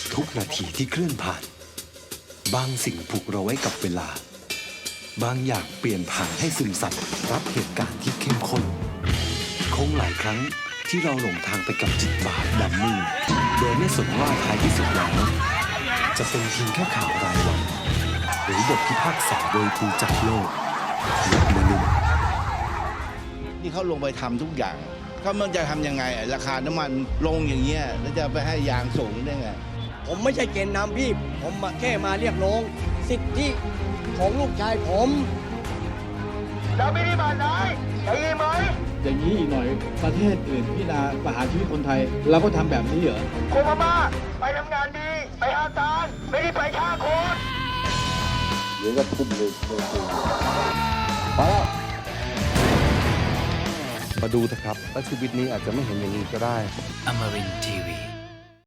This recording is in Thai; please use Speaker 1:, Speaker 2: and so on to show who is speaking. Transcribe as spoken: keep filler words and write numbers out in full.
Speaker 1: ทุกนาทีที่เคลื่อนผ่านบางสิ่งผูกเราไว้กับเวลาบางอย่างเปลี่ยนผ่านให้ซึมซับรับเหตุการณ์ที่เข้มข้นคงหลายครั้งที่เราหลงทางไปกับจิตบาปดำมืดโดยไม่สนว่าท้ายที่สุดแล้วจะเป็นเพียงแค่ข่าวรายวันหรือบทพิพากษาโดยครูจักรโลกและมนุษย์
Speaker 2: ที่เขาลงไปทำทุกอย่างเขามันจะทำยังไงราคาน้ำมันลงอย่างเงี้ยแล้วจะไปให้ยางสูงได้ไง
Speaker 3: ผมไม่ใช่เกณฑ์นำพี่ผมมาแค่มาเรียกร้องสิทธิของลูกชายผมเราไม่ได้บาดไหนได้ยินไหม
Speaker 4: อย่างนี้อีกหน่อยประเทศอื่นพิจารณาประหารชีวิตคนไทยเราก็ทำแบบนี้เหรอ
Speaker 3: โคมาบ้าไปทำงานดีไปหาทานไม่ได้ไปฆ่าคน
Speaker 4: เดี๋ยวก็ทุ่มเลยพอแล้ว
Speaker 5: มาดูเถอะครับและชีวิตนี้อาจจะไม่เห็นอย่างนี้ก็ได้
Speaker 1: Amarin ที วี